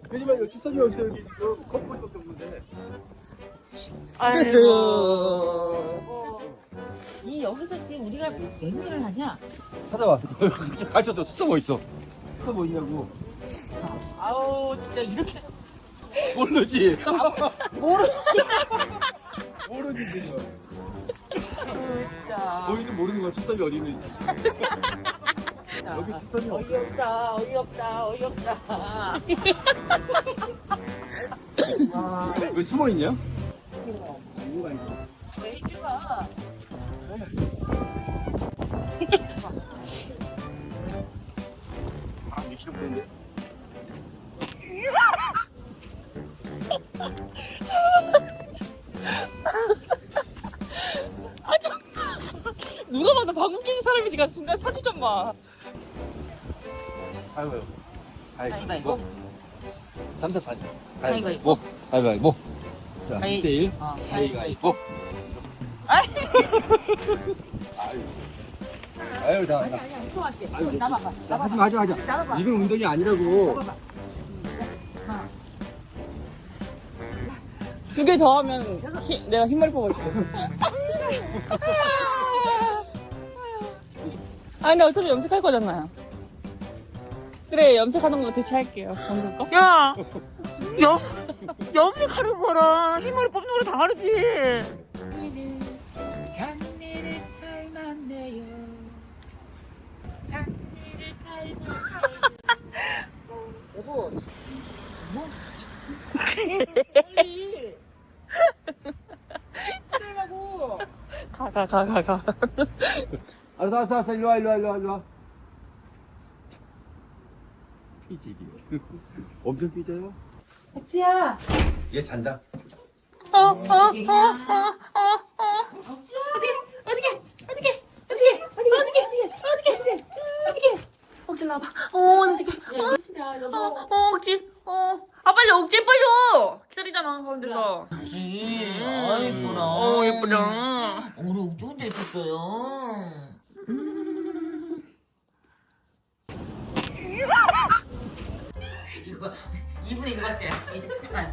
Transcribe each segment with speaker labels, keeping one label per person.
Speaker 1: 왜냐면 주선이 없어 여기 컴포트밖에 없는데.
Speaker 2: 아이고. 이 여기서 지금 우리가 몇 년을 하냐?
Speaker 1: 찾아봐. 가르쳐줘. 투서 뭐 있어? 투서 뭐 있냐고.
Speaker 2: 아우 진짜 이렇게
Speaker 1: 모르지.
Speaker 2: 모르.
Speaker 1: 모르지 그죠.
Speaker 2: 진짜.
Speaker 1: 너희는 모르는 거야. 투선이 어디 있는지. 여기 투선이 없어.
Speaker 2: 어이없다 어이없다 어이없다.
Speaker 1: 왜 숨어 있냐? 이유가 있어.
Speaker 2: 레이즈가
Speaker 1: 아, 2kg 되는데.
Speaker 3: 누가 봐도 방귀 뀌는 사람이니까 중간 사진 좀 봐.
Speaker 1: 아이고.
Speaker 2: 가위바위보.
Speaker 1: 3사
Speaker 2: 가위바위보.
Speaker 1: 가위바위보. 자,
Speaker 2: 가위-
Speaker 1: 1대1.
Speaker 2: 어,
Speaker 1: 가위바위보.
Speaker 2: 아이.
Speaker 1: 아유, 나.
Speaker 2: 아니야 무서워할게. 나봐봐.
Speaker 1: 하지 마, 하지 마.
Speaker 2: 나봐봐.
Speaker 1: 이건 운동이 아니라고.
Speaker 3: 두 개 더 하면 내가 흰머리 뽑아줄게. 아 근데 어차피 염색할 거잖아요. 그래 염색하는 거 대체할게요. 방금 거.
Speaker 2: 야, 염색하는 거랑 흰머리 뽑는 거랑 다르지. 장미를 닮았네요. 장미를 닮았네요. 여보, 뭐? 빨리. 그러라고.
Speaker 3: 가.
Speaker 1: 알았어. 일로 와. 삐지기. 엄청 삐져요?
Speaker 2: 옥지야.
Speaker 1: 얘 잔다.
Speaker 3: 옥지 나와봐. 어떡해. 옥지. 아 빨리 옥지 예뻐져. 기다리잖아 가운데서.
Speaker 2: 그렇지. 아, 예쁘라.
Speaker 3: 예쁘다.
Speaker 2: 우리 옥지 혼자 있었어요. 이거 이분의 이거 같지 않지?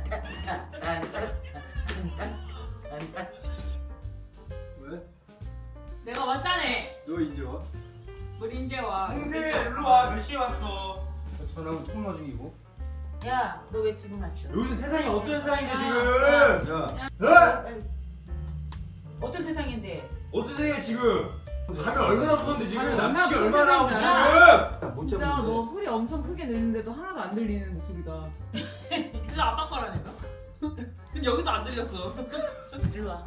Speaker 1: 왜?
Speaker 3: 내가 왔잖아.
Speaker 1: 너 이제 와?
Speaker 3: 우리 이제 와.
Speaker 4: 동생 일로 와. 몇 시에 왔어?
Speaker 1: 전화하고 통화 중이고.
Speaker 2: 야, 너 왜 지금 왔어?
Speaker 4: 요즘 세상이 어떤 세상인데 지금?
Speaker 1: 야,
Speaker 4: 어?
Speaker 2: 어떤 세상인데?
Speaker 4: 어떤 세상이야 지금? 가면 얼마나 무서운데 지금?
Speaker 5: 가면
Speaker 4: 남친이
Speaker 5: 얼마나
Speaker 4: 얼마나 하고
Speaker 5: 무서운지
Speaker 4: 지금?
Speaker 1: 못
Speaker 5: 진짜
Speaker 1: 잡는데.
Speaker 5: 너 소리 엄청 크게 내는데도 하나도 안 들리는 목소리다.
Speaker 3: 진짜 아빠 거라니까. 근데 여기도 안 들렸어.
Speaker 2: 일로 와.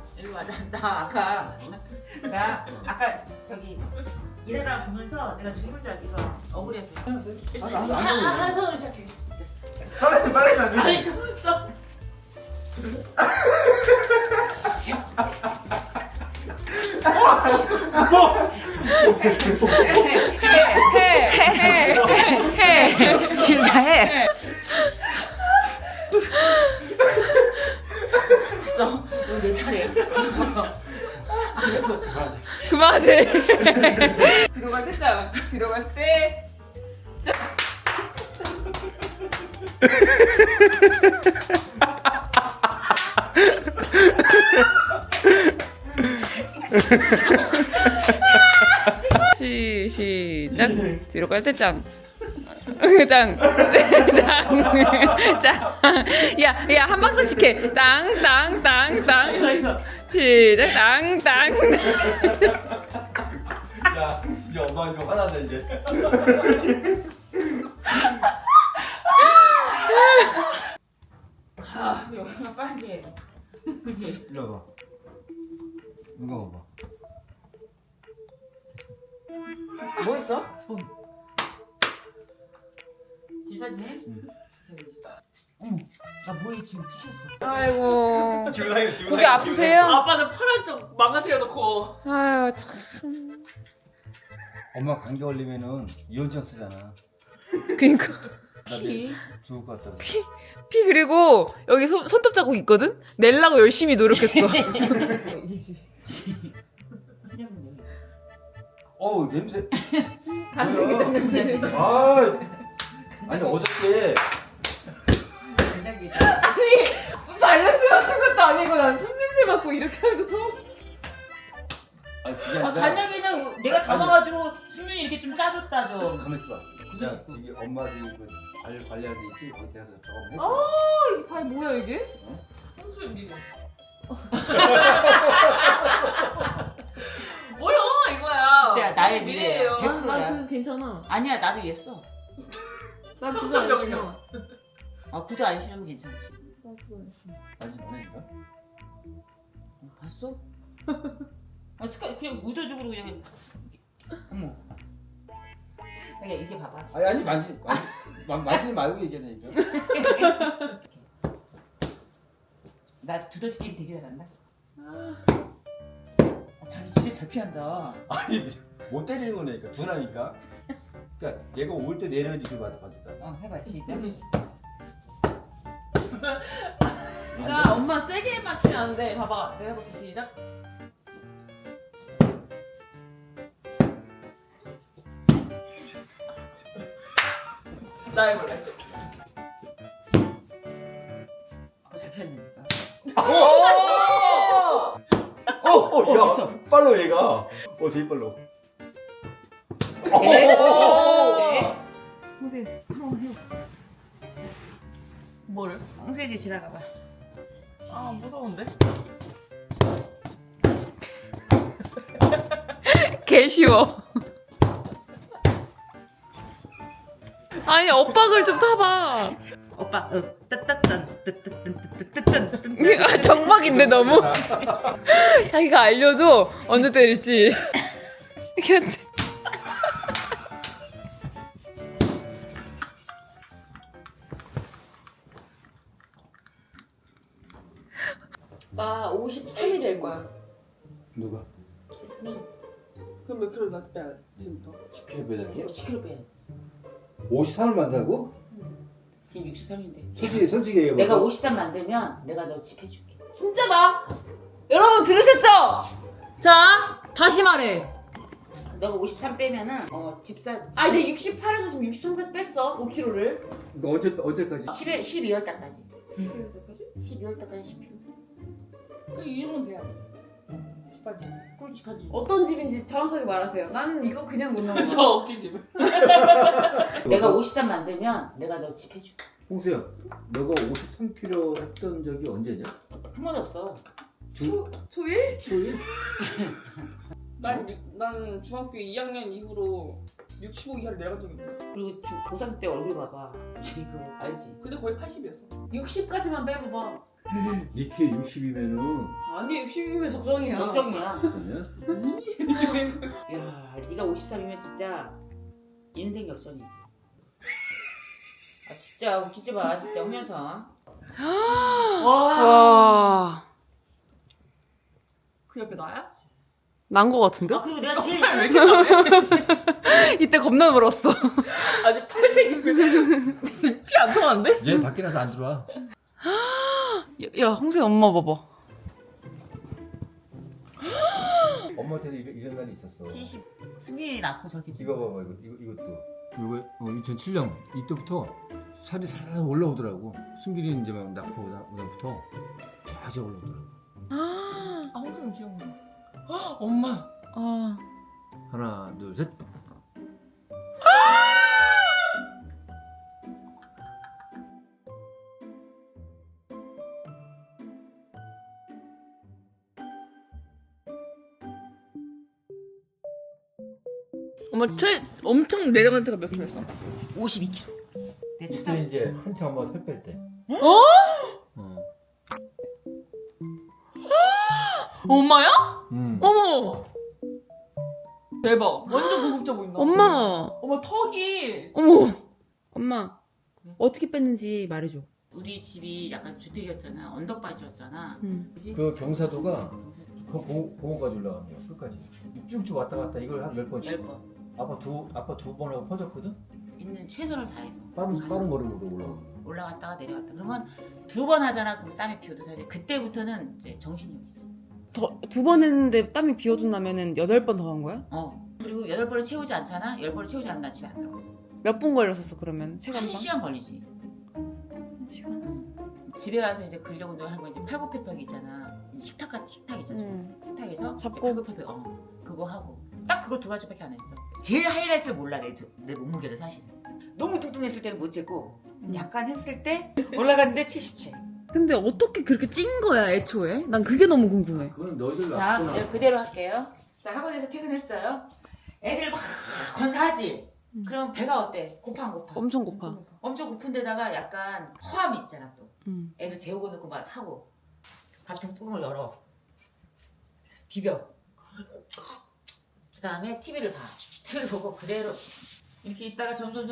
Speaker 2: 나 아까 저기 일하다 보면서 내가 죽을 줄 알기가 억울해서.
Speaker 3: 한 손으로 시작해.
Speaker 4: 빨리 안
Speaker 3: 아니
Speaker 4: 돼.
Speaker 3: 그만 있어. 해.
Speaker 2: 진짜 해. 됐어. 이거 내 차례. 무서.
Speaker 3: 그만하지. 들어갈 때 짱. 들어갈 때. 시작. 뒤로 갈 때 짱. 짱. 야, 한 박자씩 해. 땅. 시작. 땅.
Speaker 1: 야, 이제 엄마 좀 화나자 이제.
Speaker 2: 여기가 빨리 해. 그지?
Speaker 1: 일로 와봐. 누가 봐봐.
Speaker 2: 뭐 했어?
Speaker 1: 손.
Speaker 2: 지사진 해? 나 뭐에 지금 찍혔어.
Speaker 3: 아이고.
Speaker 4: 기분상했어.
Speaker 3: 목이 아프세요? 아빠는 팔 쪽 망가뜨려 놓고. 아유 참.
Speaker 1: 엄마 감기 걸리면은 이온증 쓰잖아.
Speaker 3: 그니까.
Speaker 1: 나 내일 죽을 것 같다.
Speaker 3: 피 그리고 여기 손톱 자국 있거든? 낼라고 열심히 노력했어.
Speaker 1: 어우 냄새.
Speaker 5: 간식이 냄새.
Speaker 1: 아, 아니 어저께
Speaker 2: 아닙니다.
Speaker 5: 아니 밸런스 같은 것도 아니고 난 숨냄새 맡고 이렇게 하는 거 처음.
Speaker 1: 아니 그게
Speaker 2: 아,
Speaker 1: 아니라
Speaker 2: 간장게장 내가 담아가지고 수면이 이렇게 좀 짜줬다 좀.
Speaker 1: 가만 있어봐. 야 저기 엄마들이 그 관리하는 데 있지? 거기 가서 저거
Speaker 5: 아,
Speaker 1: 해.
Speaker 5: 이 발 뭐야 이게?
Speaker 3: 홍수연 니는. 뭐야 이거야.
Speaker 2: 진짜 나의
Speaker 3: 미래예요.
Speaker 2: 미래예요.
Speaker 5: 아, 나 그거 괜찮아.
Speaker 2: 아니야 나도 이랬어.
Speaker 5: 나 그거 안
Speaker 3: 청소년이야.
Speaker 5: 싫어.
Speaker 2: 아 구두 안 신으면 괜찮지.
Speaker 5: 나 그거 안 싫어.
Speaker 1: 아직 많으니까.
Speaker 2: 봤어? 아 습관 그냥 의도적으로 그냥. 어머. 그냥 이게 봐봐.
Speaker 1: 아니 만지지 말고 얘기하니까.
Speaker 2: 나 두더지 게임 되게 잘한다.
Speaker 5: 아,
Speaker 2: 자기 진짜 잘 피한다.
Speaker 1: 아니 못 때리는 거니까 둔하니까. 그러니까 얘가 올 때 내려지고 받았다.
Speaker 2: 해봐 시작.
Speaker 5: 그러니까 엄마 세게 맞추면 안 돼. 봐봐. 내가 해볼게. 시작.
Speaker 3: 나 해볼래.
Speaker 2: 잘 피한다니까.
Speaker 1: 야,
Speaker 2: 있어.
Speaker 1: 빨로 얘가. 되게 빨로.
Speaker 2: 홍세 한번 해.
Speaker 3: 뭐를?
Speaker 2: 홍세지 지나가봐.
Speaker 3: 아 무서운데? 개 쉬워. 아니 엇박을 좀 타봐.
Speaker 2: 오빠 따따딴 뜨뜨뜬
Speaker 3: 아, 정막인데 너무. 자기가 알려줘 언제 때릴지. 이렇게
Speaker 5: 나 53이 될 거야.
Speaker 1: 누가?
Speaker 3: 그럼 몇 킬로 빼야 지금부터?
Speaker 1: 10kg 빼자고?
Speaker 2: 10kg 빼야 돼.
Speaker 1: 53을 만다고?
Speaker 2: 지금 63인데.
Speaker 1: 솔직히 얘기해봐.
Speaker 2: 내가 53 만들면 내가 너 집 해줄게.
Speaker 5: 진짜다. 여러분 들으셨죠? 자, 다시 말해.
Speaker 2: 너가 53 빼면은 집사.
Speaker 5: 아, 이제 68에서 지금 63까지 뺐어. 5kg를.
Speaker 1: 그러니까 언제까지?
Speaker 2: 12월 달까지. 12월 달까지 10kg.
Speaker 5: 이 정도는 돼야 돼. 집까지.
Speaker 2: 그렇지 가지.
Speaker 5: 어떤 집인지 정확하게 말하세요. 나는 이거 그냥 못 넘어.
Speaker 3: 저 억지집.
Speaker 2: 내가 53 만들면 내가 너 집 해줄게.
Speaker 1: 홍수야, 너가 53kg 했던 적이 언제냐?
Speaker 2: 한 번도 없어.
Speaker 5: 초일?
Speaker 1: 초일?
Speaker 3: 난 중학교 2학년 이후로 65 이하를 내려간 적이 있어.
Speaker 2: 그리고 고3 때 얼굴 봐봐. 그거 알지?
Speaker 3: 근데 거의 80이었어.
Speaker 5: 60까지만 빼봐봐.
Speaker 1: 니 키에 60이면은
Speaker 5: 아니, 60이면 적정이야.
Speaker 2: 걱정이야.
Speaker 1: 야
Speaker 2: 야, 네가 53이면 진짜 인생 역전이지. 아 진짜 웃기지 마, 진짜 홍현성.
Speaker 3: 와. 그 옆에 나야? 난 거 같은데?
Speaker 2: 아 그리고 내가 제일
Speaker 3: 왜 이렇게 나네? 이때 겁나 물었어. 아직 팔색이면 피 안 통하는데?
Speaker 1: 얘 밖에 나서 안 들어와.
Speaker 3: 야, 홍세 엄마 봐봐.
Speaker 1: 엄마한테도 이런 날이 있었어.
Speaker 2: 70. 승민이 낳고 저렇게
Speaker 1: 이거 봐봐, 이것도. 이거 2007년 이때부터 살이 살살 올라오더라고. 승길이 이제 막 낳고 나부터 쫙 올라오더라고.
Speaker 3: 아, 홍수는 귀여운 거. 엄마. 아.
Speaker 1: 하나, 둘, 셋.
Speaker 3: 엄마 엄청 내려간 때가 몇 킬로였어?
Speaker 2: 52kg. 내
Speaker 1: 그때
Speaker 2: 차상.
Speaker 1: 이제 한참 엄마 살 뺄 때.
Speaker 3: 어? 엄마야? 어머. 대박. 완전 고급져 보인다.
Speaker 6: 엄마,
Speaker 3: 엄마 턱이.
Speaker 6: 어머, 엄마, 어떻게 뺐는지 말해줘.
Speaker 2: 우리 집이 약간 주택이었잖아. 언덕바지였잖아. 그지?
Speaker 1: 그 경사도가 그 공원까지 올라가는 거야. 끝까지. 쭉쭉 왔다 갔다 이걸 한 10번씩.
Speaker 2: 10번.
Speaker 1: 아빠 두 번 하고 퍼졌거든?
Speaker 2: 있는 최선을 다해서.
Speaker 1: 빠른 걸음으로 올라가.
Speaker 2: 올라갔다가 내려갔다. 그러면 2번 하잖아. 그럼 땀이 피어도 사실 그때부터는 이제 정신력이지.
Speaker 6: 두 번 했는데 땀이 비어도 나면은 8번 더 한 거야?
Speaker 2: 그리고 8번을 채우지 않잖아. 10번을 채우지 않으면 나 집에 안 들어갔어.
Speaker 6: 몇 분 걸렸었어, 그러면? 체감상?
Speaker 2: 1시간 걸리지.
Speaker 6: 1시간?
Speaker 2: 집에 가서 이제 근력 운동을 하는 거 이제 팔굽혀펴기 있잖아. 식탁 있잖아. 식탁에서
Speaker 6: 잡고.
Speaker 2: 팔굽혀펴기 그거 하고 딱 그거 2가지밖에 안 했어. 제일 하이라이트를 몰라 내 몸무게를 사실. 너무 뚱뚱했을 때는 못 쟀고 약간 했을 때 올라갔는데 77.
Speaker 6: 근데 어떻게 그렇게 찐 거야 애초에? 난 그게 너무 궁금해.
Speaker 1: 그건 너희들
Speaker 2: 자,
Speaker 1: 놨구나.
Speaker 2: 내가 그대로 할게요. 자, 학원에서 퇴근했어요. 애들 막 건사하지. 그러면 배가 어때? 고파 안 고파?
Speaker 6: 엄청 고파.
Speaker 2: 엄청 고픈 데다가 약간 허함이 있잖아 또.
Speaker 6: 음.
Speaker 2: 애들 재우고 넣고 막 하고 밥통 뚜껑을 열어. 비벼. 그 다음에 TV를 봐. TV를 보고 그대로 이렇게 있다가 점점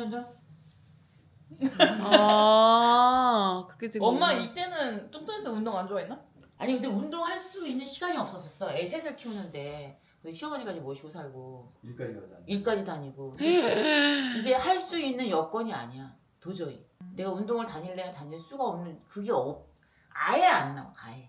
Speaker 6: 아 그렇게 지금.
Speaker 3: 엄마 이때는 뚱뚱해서 운동 안 좋아했나?
Speaker 2: 아니 근데 운동할 수 있는 시간이 없었었어. 애 셋을 키우는데 시어머니까지 모시고 살고
Speaker 1: 일까지 가자.
Speaker 2: 일까지 다니고 이게 할 수 있는 여건이 아니야 도저히. 내가 운동을 다닐 수가 없는 그게 아예 안 나와 아예.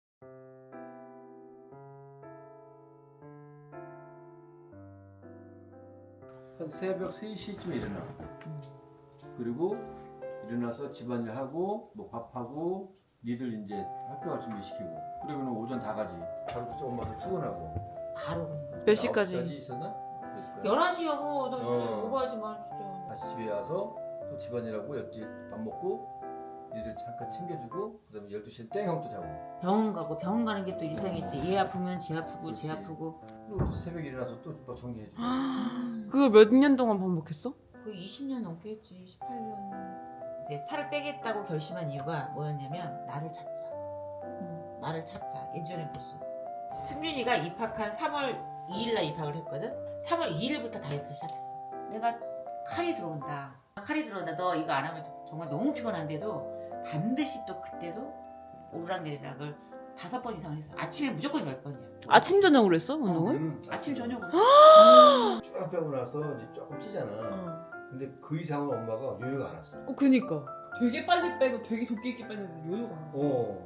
Speaker 1: 한 새벽 3시쯤에 일어나. 그리고 일어나서 집안일 하고 뭐 밥하고 니들 이제 학교 갈 준비 시키고 그러고는 오전 다 가지. 바로 또 엄마도 출근하고.
Speaker 2: 바로 그런 거야.
Speaker 6: 몇 시까지?
Speaker 1: 9시까지 있었나? 그랬을 거야.
Speaker 2: 11시하고 너
Speaker 1: 어.
Speaker 2: 오버하지 마 진짜.
Speaker 1: 다시 집에 와서 또 집안일하고 옆집 밥 먹고 니들 잠깐 챙겨주고 그다음에 12시에 땡 하고 또 자고.
Speaker 2: 병원 가고 병원 가는 게 또 일상이지. 얘 아프면 쟤 아프고 쟤
Speaker 1: 그렇지.
Speaker 2: 아프고.
Speaker 1: 그리고 또 새벽에 일어나서 또 뭐 정리해주고.
Speaker 6: 그걸 몇 년 동안 반복했어?
Speaker 2: 거의 20년 넘게 했지. 18년. 이제 살을 빼겠다고 결심한 이유가 뭐였냐면 나를 찾자. 나를 찾자. 예전의 모습. 승윤이가 입학한 3월 2일날 입학을 했거든. 3월 2일부터 다이어트를 시작했어. 내가 칼이 들어온다. 너 이거 안 하면 정말 너무 피곤한데도 반드시 또 그때도 오르락내리락을 5번 이상을 했어. 아침에 무조건 10번이야.
Speaker 6: 아침 저녁으로 했어 운동을?
Speaker 2: 아침 저녁으로.
Speaker 1: 쭉 빼고 나서 이제 조금 찌잖아. 근데 그 이상은 엄마가 요요가 안 왔어.
Speaker 6: 그니까.
Speaker 3: 되게 빨리 빼고 되게 도끼 있게 빼는데 요요가 안 나.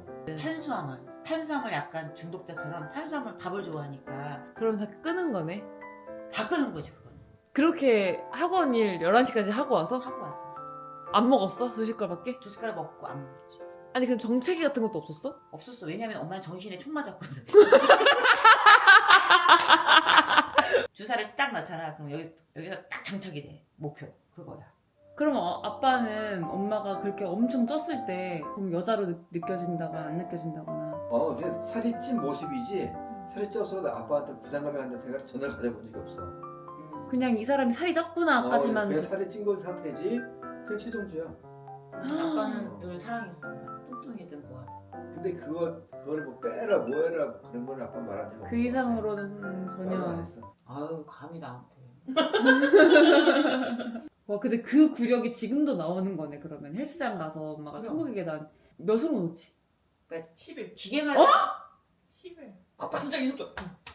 Speaker 2: 탄수화물 약간 중독자처럼 탄수화물 밥을 좋아하니까
Speaker 6: 그럼 다 끄는 거네.
Speaker 2: 다 끄는 거지 그거는.
Speaker 6: 그렇게 학원 일 11시까지 하고 와서
Speaker 2: 하고 와서
Speaker 6: 안 먹었어? 2숟갈밖에?
Speaker 2: 2숟가락 먹고 안 먹었지.
Speaker 6: 아니 그럼 정체기 같은 것도 없었어?
Speaker 2: 없었어. 왜냐면 엄마는 정신에 총 맞았거든. 주사를 딱 넣잖아. 그럼 여기서 딱 장착이 돼. 목표 그거야.
Speaker 6: 그럼 아빠는 엄마가 그렇게 엄청 쪘을 때 그럼 여자로 느껴진다거나 안 느껴진다거나.
Speaker 4: 근데 살이 찐 모습이지 살이 쪄서 아빠한테 부담감이 한다는 생각을 전혀 가져본 적이 없어.
Speaker 6: 그냥 이 사람이 살이 쪘구나까지만.
Speaker 4: 그냥 살이 찐 건 상태지 그게 최종주야.
Speaker 2: 아빠는 늘 사랑했어. 뚱뚱이든 뭐하든.
Speaker 4: 근데 그걸 뭐 빼라 뭐해라 그런 건 아빠 말한 적 없어.
Speaker 6: 그 이상으로는
Speaker 4: 말을 안
Speaker 6: 전혀.
Speaker 4: 했어.
Speaker 2: 아유 감히 나한테.
Speaker 6: 와 근데 그 구력이 지금도 나오는 거네. 그러면 헬스장 가서 엄마가
Speaker 2: 그럼.
Speaker 6: 천국의 계단 몇으로 놓지?
Speaker 2: 그러니까
Speaker 3: 10일.
Speaker 2: 기계만
Speaker 3: 10일. 진짜 이 속도.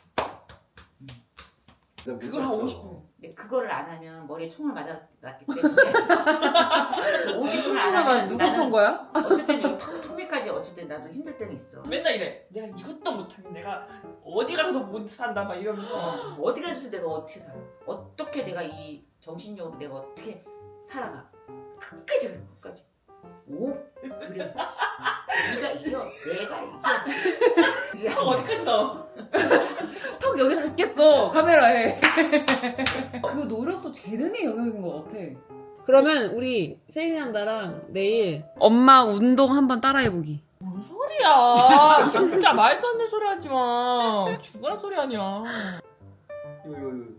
Speaker 4: 내가
Speaker 3: 그걸 한
Speaker 4: 못했어.
Speaker 3: 50분.
Speaker 2: 근데 그거를 안 하면 머리에 총을 맞았기 때문에 50분을 안 하면
Speaker 6: 누가 쏜 거야?
Speaker 2: 어쨌든 여기 턱밑까지 어쨌든 나도 힘들 때는 있어.
Speaker 3: 맨날 이래. 내가 이것도 못하니 내가 어디 가서도 못 산다 막 이러면서.
Speaker 2: 어디 가서 내가 어떻게 살아? 어떻게 내가 이 정신력으로 내가 어떻게 살아가? 끝까지 그래, 끝까지. 오? 그래. 네가 이겨. 내가 이겨.
Speaker 3: 턱 어디까지 나와?
Speaker 6: 턱 여기 닿겠어 카메라에. 그 노력도 재능의 영역인 것 같아. 그러면 우리 세인이랑 나랑 내일 엄마 운동 한번 따라해보기.
Speaker 3: 뭔 소리야? 진짜 말도 안 되는 소리 하지 마. 죽으란 소리 아니야.
Speaker 4: 이거.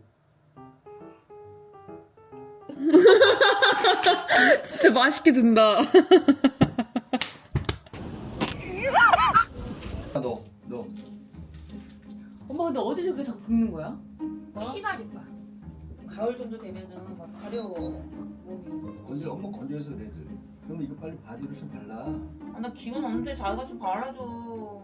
Speaker 6: 진짜 맛있게 준다.
Speaker 4: 너.
Speaker 6: 엄마 근데 어디서 그렇게 자꾸 긁는 거야?
Speaker 3: 피나겠다.
Speaker 2: 가을 정도 되면은 막 가려워. 몸이.
Speaker 4: 근데 엄마 건조해서 그래. 그러면 이거 빨리 바디로션 발라.
Speaker 2: 아, 나 기운 없는데 자기가 좀 발라줘.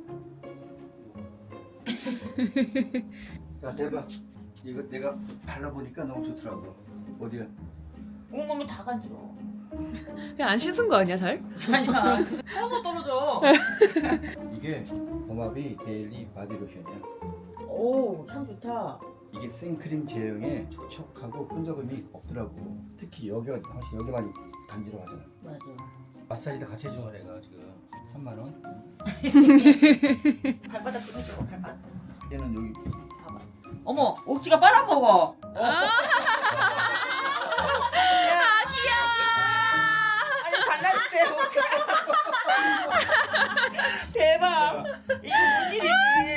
Speaker 4: 자 대박. 이거 내가 발라보니까 너무 좋더라고. 어디야?
Speaker 2: 온몸이 다 간지러워.
Speaker 6: 그냥 안 씻은 거 아니야 잘?
Speaker 2: 아니야.
Speaker 3: 하나도 떨어져.
Speaker 4: 이게 범합이 데일리 바디로션이야.
Speaker 2: 오, 향 좋다.
Speaker 4: 이게 생크림 제형에 촉촉하고 끈적임이 없더라고. 특히 여기가 훨씬 여기만 간지러워하잖아.
Speaker 2: 맞아.
Speaker 1: 마사지도 같이 해줘 내가 지금 3만 원.
Speaker 2: 발바닥 좀 해줘. 발바닥.
Speaker 1: 얘는 여기.
Speaker 2: 봐봐. 어머, 옥지가 빨아먹어. 아니 잘났대 옥지가. 대박. 이게 무슨 일이지?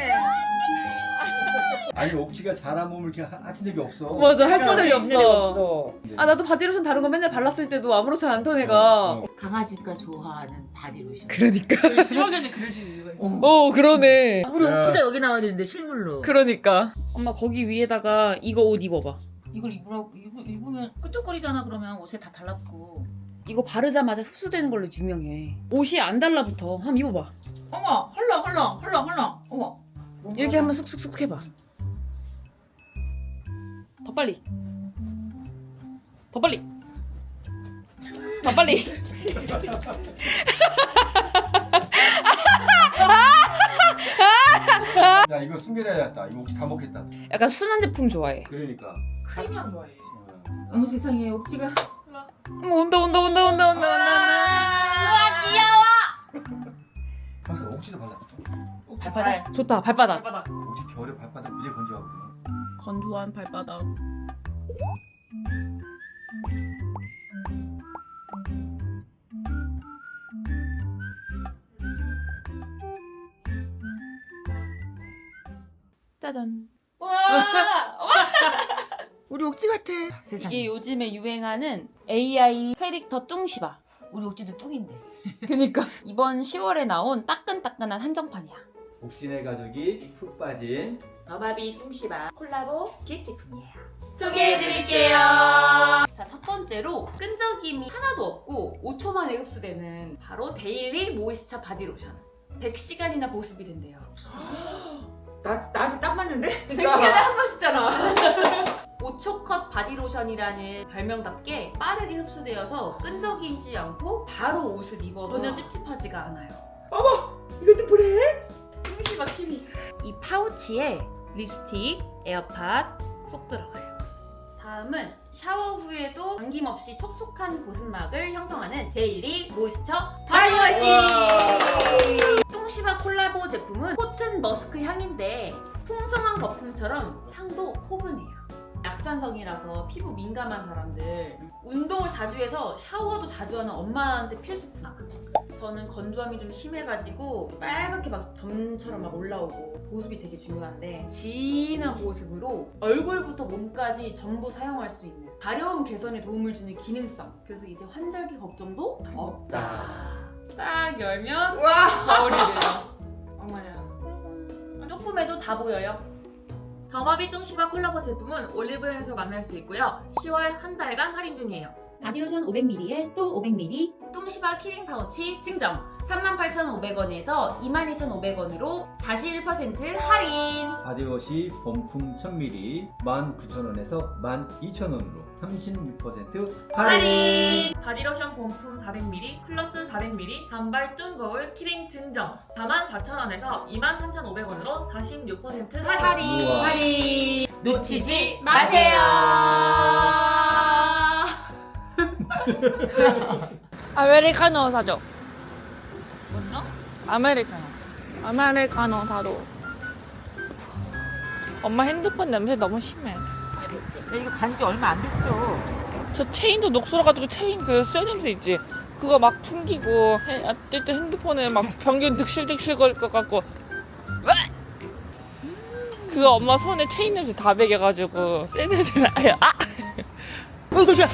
Speaker 1: 아니 옥지가 사람 몸을 이렇게 하친 적이 없어.
Speaker 6: 맞아, 할 적이
Speaker 2: 있는 애가
Speaker 6: 없어.
Speaker 2: 없어.
Speaker 6: 아, 나도 바디로션 다른 거 맨날 발랐을 때도 아무렇지 않던 애가.
Speaker 2: 강아지가 좋아하는 바디로션.
Speaker 6: 그러니까.
Speaker 3: 심하게는 그러시는 이유가 있어.
Speaker 6: 어, 그러네.
Speaker 2: 우리 옥지가 여기 나와야 되는데 실물로.
Speaker 6: 그러니까. 엄마, 거기 위에다가 이거 옷 입어봐.
Speaker 2: 이걸 입으면 끈적거리잖아. 그러면 옷에 다 달라붙고.
Speaker 6: 이거 바르자마자 흡수되는 걸로 유명해. 옷이 안 달라붙어. 한번 입어봐.
Speaker 2: 어머, 헐렁. 어머.
Speaker 6: 이렇게 한번 쑥쑥쑥 해봐. 더 빨리. 더 빨리. 더 빨리.
Speaker 1: 야 이거 숨겨놔야겠다. 이거 옥지 다 먹겠다.
Speaker 6: 약간 순한 제품 좋아해.
Speaker 1: 그러니까.
Speaker 3: 크림향 좋아해.
Speaker 2: 어머 세상에 옥지가.
Speaker 6: 어머, 온다. 우와, 귀여워.
Speaker 1: 벌써 옥지도 발랐어.
Speaker 2: 발바닥.
Speaker 6: 좋다, 발바닥.
Speaker 3: 발바닥.
Speaker 1: 옥지 겨울에 발바닥 무지 건조하거든.
Speaker 6: 건조한 발바닥. 짜잔.
Speaker 2: 와. 우리 옥지 같아. 세상에.
Speaker 6: 이게 요즘에 유행하는 AI 캐릭터 뚱시바.
Speaker 2: 우리 옥지도 뚱인데.
Speaker 6: 그니까 이번 10월에 나온 따끈따끈한 한정판이야.
Speaker 4: 옥진의 가족이 푹 빠진
Speaker 2: 더바비 뚱시바 콜라보 기프트품이에요.
Speaker 3: 소개해드릴게요.
Speaker 6: 자, 첫 번째로 끈적임이 하나도 없고 5초 만에 흡수되는 바로 데일리 모이스처 바디로션. 100시간이나 보습이 된대요.
Speaker 2: 나한테 딱 맞는데?
Speaker 6: 100시간에 한 번씩잖아. 5초 컷 바디로션이라는 별명답게 빠르게 흡수되어서 끈적이지 않고 바로 옷을 입어도 전혀 찝찝하지가 않아요.
Speaker 2: 이것도 뭐래?
Speaker 6: 뚱시바 키미. 이 파우치에 립스틱, 에어팟 쏙 들어가요. 다음은 샤워 후에도 당김없이 촉촉한 보습막을 형성하는 데일리 모이스처 바디워시. 뚱시바 콜라보 제품은 코튼 머스크 향인데 풍성한 거품처럼 향도 포근해요. 약산성이라서 피부 민감한 사람들, 운동을 자주 해서 샤워도 자주 하는 엄마한테 필수품. 저는 건조함이 좀 심해가지고 빨갛게 막 점처럼 막 올라오고 보습이 되게 중요한데 진한 보습으로 얼굴부터 몸까지 전부 사용할 수 있는 가려움 개선에 도움을 주는 기능성. 그래서 이제 환절기 걱정도 없다. 싹 열면
Speaker 2: 와.
Speaker 6: 거울이 돼요.
Speaker 2: 어머야.
Speaker 6: 조금해도 다 보여요. 더마비 뚱시바 콜라보 제품은 올리브영에서 만날 수 있고요. 10월 한 달간 할인 중이에요.
Speaker 7: 바디로션 500ml에 또 500ml,
Speaker 6: 뚱시바 키링 파우치 증정 38,500원에서 22,500원으로 41% 할인.
Speaker 4: 바디워시 범풍 1000ml 19,000원에서 12,000원으로 36%
Speaker 6: 할인! 바디로션 본품 400ml 플러스 400ml 단발 뚱거울 키링 증정 44,000원에서 23,500원으로 46% 할인!
Speaker 4: 우와.
Speaker 6: 할인! 놓치지
Speaker 2: 마세요.
Speaker 3: 아메리카노 사줘.
Speaker 2: 뭐죠?
Speaker 3: 아메리카노 사줘. 엄마 핸드폰 냄새 너무 심해.
Speaker 2: 야 이거 간지 얼마 안 됐어.
Speaker 3: 저 체인도 녹슬어가지고 체인 그 쇠 냄새 있지? 그거 막 풍기고 어쨌든 핸드폰에 막 변기 득실득실 거릴 것 같고 그거 엄마 손에 체인 냄새 다 배겨가지고 쇠 냄새 나요. 아! 깜짝이야.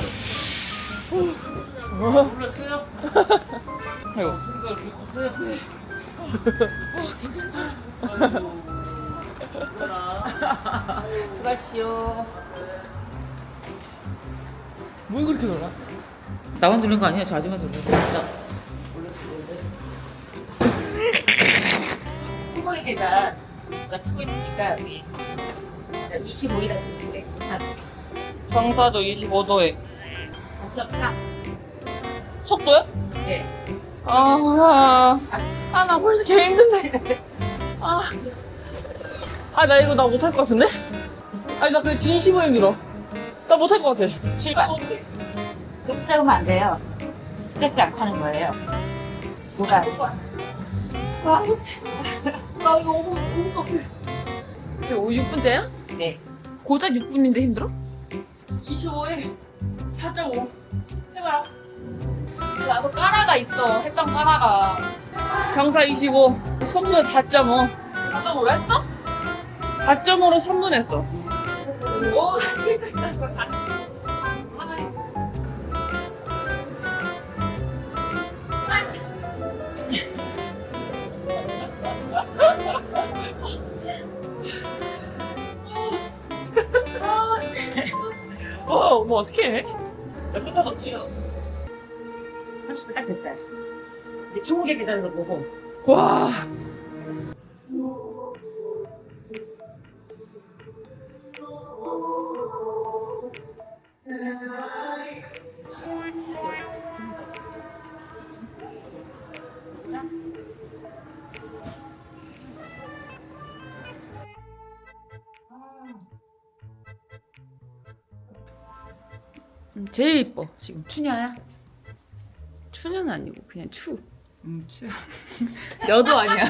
Speaker 1: 놀랐어요?
Speaker 3: 아이고.
Speaker 1: 소리가 그렇게 컸어요?
Speaker 2: 수고하십시오.
Speaker 3: 뭘 그렇게 놀아?
Speaker 2: 나만 놀란 거 아니야? 저 아줌마 놀란 거. 수고의 계단 가 치고 있으니까 우리 25일에
Speaker 3: 경사도 25도에
Speaker 2: 4.4.
Speaker 3: 속도요?
Speaker 2: 네.
Speaker 3: 나 벌써 개 힘든데. 나 이거 나 못할 것 같은데? 아니, 나 그게 진심으로 힘들어. 나 못할 것 같아.
Speaker 2: 출발. 좀 잡으면 안 돼요. 붙잡지 않고 하는 거예요. 뭐가?
Speaker 6: 지금 6분째야?
Speaker 2: 네.
Speaker 6: 고작 6분인데 힘들어?
Speaker 3: 25에 4.5 해봐라. 나도 까라가 있어. 했던 까라가. 경사 25, 손도 4.5. 4.5로 했어? 4.5로 3분 했어. 오, 뭐 어떻게 해? 몇 분 더 넣지요?
Speaker 2: 30분 딱 됐어요. 이제 천국에 계단을 보고.
Speaker 3: 와.
Speaker 6: 제일 이뻐 지금.
Speaker 2: 추녀야?
Speaker 6: 추는 아니고 그냥 추.
Speaker 2: 추.
Speaker 6: 여도 아니야.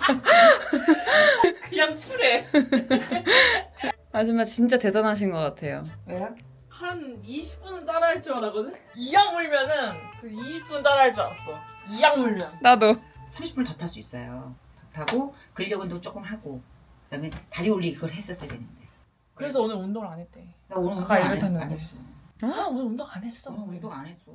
Speaker 3: 그냥 추래.
Speaker 6: 아줌마 진짜 대단하신 것 같아요.
Speaker 2: 왜요?
Speaker 3: 한 20분은 따라할 줄 알았거든? 이악 물면은 그 20분 따라할 줄 알았어. 이악 물면.
Speaker 6: 나도.
Speaker 2: 30분을 더 탈 수 있어요. 더 타고 근력 운동 조금 하고 그다음에 다리 올리기 그걸 했었어야 되는데.
Speaker 3: 그래서 오늘 운동을 안 했대.
Speaker 2: 나 오늘 운동
Speaker 3: 아까
Speaker 2: 안
Speaker 3: 엘리베이터는
Speaker 2: 했어.
Speaker 3: 아, 오늘 운동 안 했어.
Speaker 2: 오늘 운동 안 했어.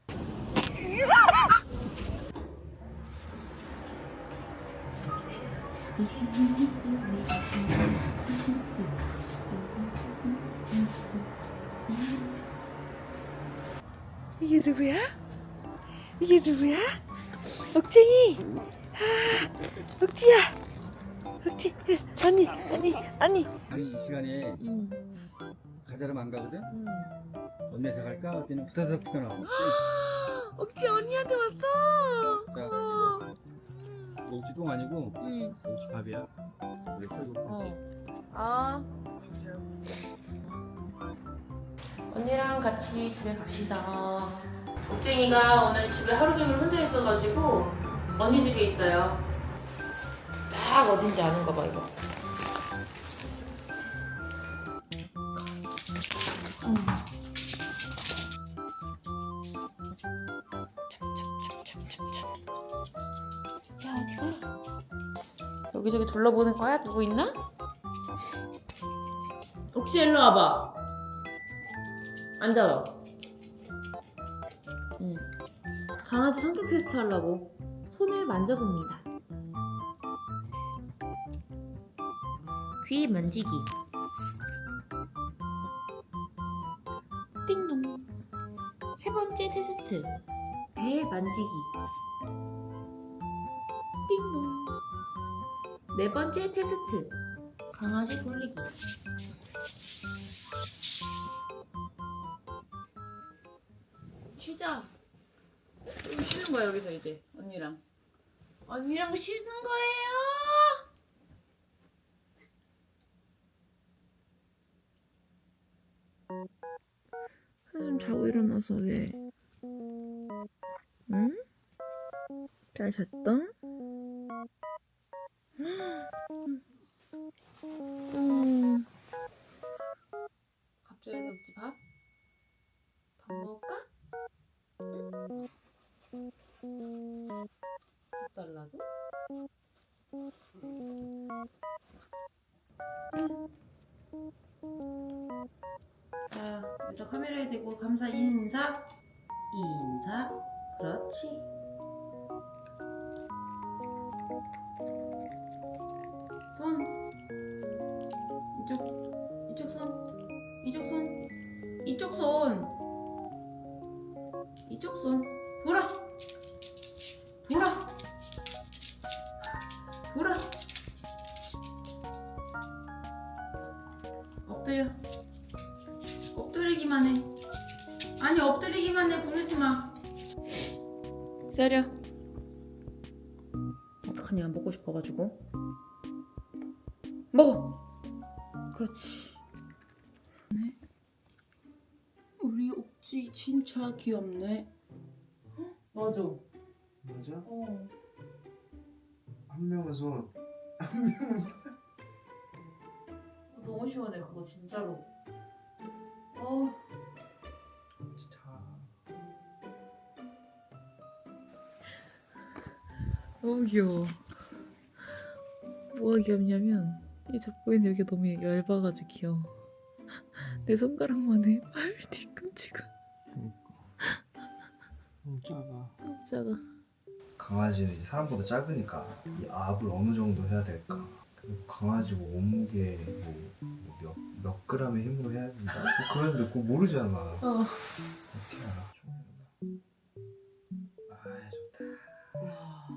Speaker 8: 이게 누구야? 이게 누구야? 억쟁이! 아, 억지야! 억지! 언니!
Speaker 4: 아니 이 시간에 가자름 안 가거든? 언니한테 갈까? 그랬더니 후다닥 튀어나와.
Speaker 6: 억지 언니한테 왔어.
Speaker 4: 자, 옥지 똥 아니고 옥지 밥이야. 그래서 이거
Speaker 6: 아.
Speaker 5: 언니랑 같이 집에 갑시다. 옥쟁이가 오늘 집에 하루 종일 혼자 있어가지고 언니 집에 있어요. 딱 어딘지 아는가 봐 이거. 야 어디가? 여기저기 둘러보는 거야? 누구 있나? 혹시 일로 와봐. 앉아봐. 강아지 성격 테스트 하려고 손을 만져봅니다. 귀 만지기. 띵동. 세 번째 테스트. 배 만지기. 띵동. 네 번째 테스트. 강아지 돌리기. 쉬자.
Speaker 6: 좀 쉬는 거야 여기서 이제 언니랑.
Speaker 5: 언니랑 쉬는 거예요?
Speaker 8: 한숨 자고 일어나서 왜? 응? 잘 잤다?
Speaker 5: 밥 줘야지 없지 밥? 밥 먹을까? 밥 달라고? 자, 일단 카메라에 대고 감사 인사. 인사. 그렇지. 손. 이쪽 손. 이쪽 손. 이쪽 손. 이쪽 손. 돌아. 돌아. 돌아. 엎드려. 엎드리기만 해. 아니 엎드리기만 해. 구르지 마.
Speaker 6: 기다려. 어떡하냐 먹고 싶어가지고. 먹어. 그렇지.
Speaker 5: 우리 옥지 진짜 귀엽네.
Speaker 6: 맞아.
Speaker 9: 맞아?
Speaker 6: 어.
Speaker 9: 한 명은 손.
Speaker 6: 너무 시원해 그거 진짜로. 어.
Speaker 9: 진짜.
Speaker 8: 너무 귀여워. 뭐가 귀엽냐면 이 잡고 있는 여기 너무 얇아가지고 귀여워. 내 손가락만 해. 발 뒤꿈치가
Speaker 9: 너무 작아.
Speaker 8: 너무 작아.
Speaker 9: 강아지는 이제 사람보다 작으니까 이 압을 어느 정도 해야 될까? 그리고 강아지 뭐 몸무게 몇 그램의 힘으로 해야 된다? 뭐 그런데 그거 모르잖아. 어떻게 알아? 아 좋다.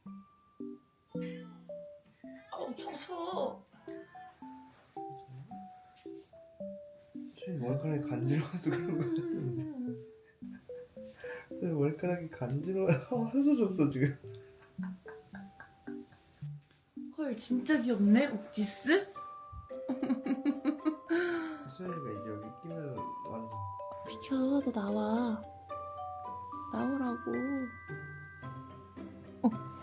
Speaker 2: 아우 쳐쳐.
Speaker 9: 수현이 머리카락이 간지러워서 그런 거 같은데. 수현이 머리카락이 간지러워. 한소 줬어 지금.
Speaker 6: 헐 진짜 귀엽네 옥지스.
Speaker 9: 수현이가 이제 여기 끼면 완성.
Speaker 8: 비켜, 너 나와. 나오라고.